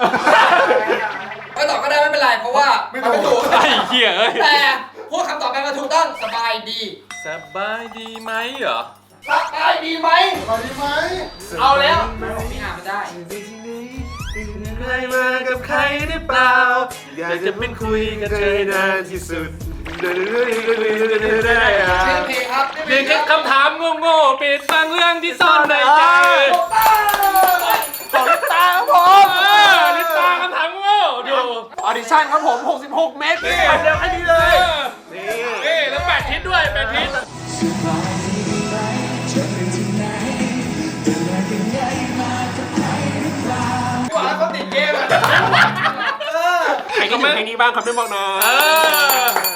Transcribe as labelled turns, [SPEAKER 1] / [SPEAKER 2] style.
[SPEAKER 1] ไม่ตอบก็ได้ไม่เป็นไรเพราะว่าไม่ถูก
[SPEAKER 2] ไอ้เหี้ยเอ้ย
[SPEAKER 1] แต่พูดคำตอบไปมาถูกต้องสบายดี
[SPEAKER 2] สบายดีไหมเหรอ
[SPEAKER 1] สบายดีไหม
[SPEAKER 3] สบายดีไหม
[SPEAKER 1] เอาแล้วพี่อ่านมาได้
[SPEAKER 2] ใครมากับใครหรือเปล่าอยากจะเป็นคุยกับเธอให้นานที่สุด
[SPEAKER 1] ชื่อเพลงครับ
[SPEAKER 2] เพียงแค่คำถามโง่ๆปิดบังเรื่องที่ซ่อนในใจ
[SPEAKER 1] ของลิปตาครับผม
[SPEAKER 2] ลิปตาคำถามโง่ดู
[SPEAKER 1] ออดิชั่นครับผม66 เมตรนี่เร็วแค่นี้เลย
[SPEAKER 2] นี่แล้ว8 ทิศด้วย8 ทิศ
[SPEAKER 1] กว่าเขาติดเกมอ่ะ
[SPEAKER 2] ใครคิดถึงเพลงนี้บ้างครับไม่บอกหน่อย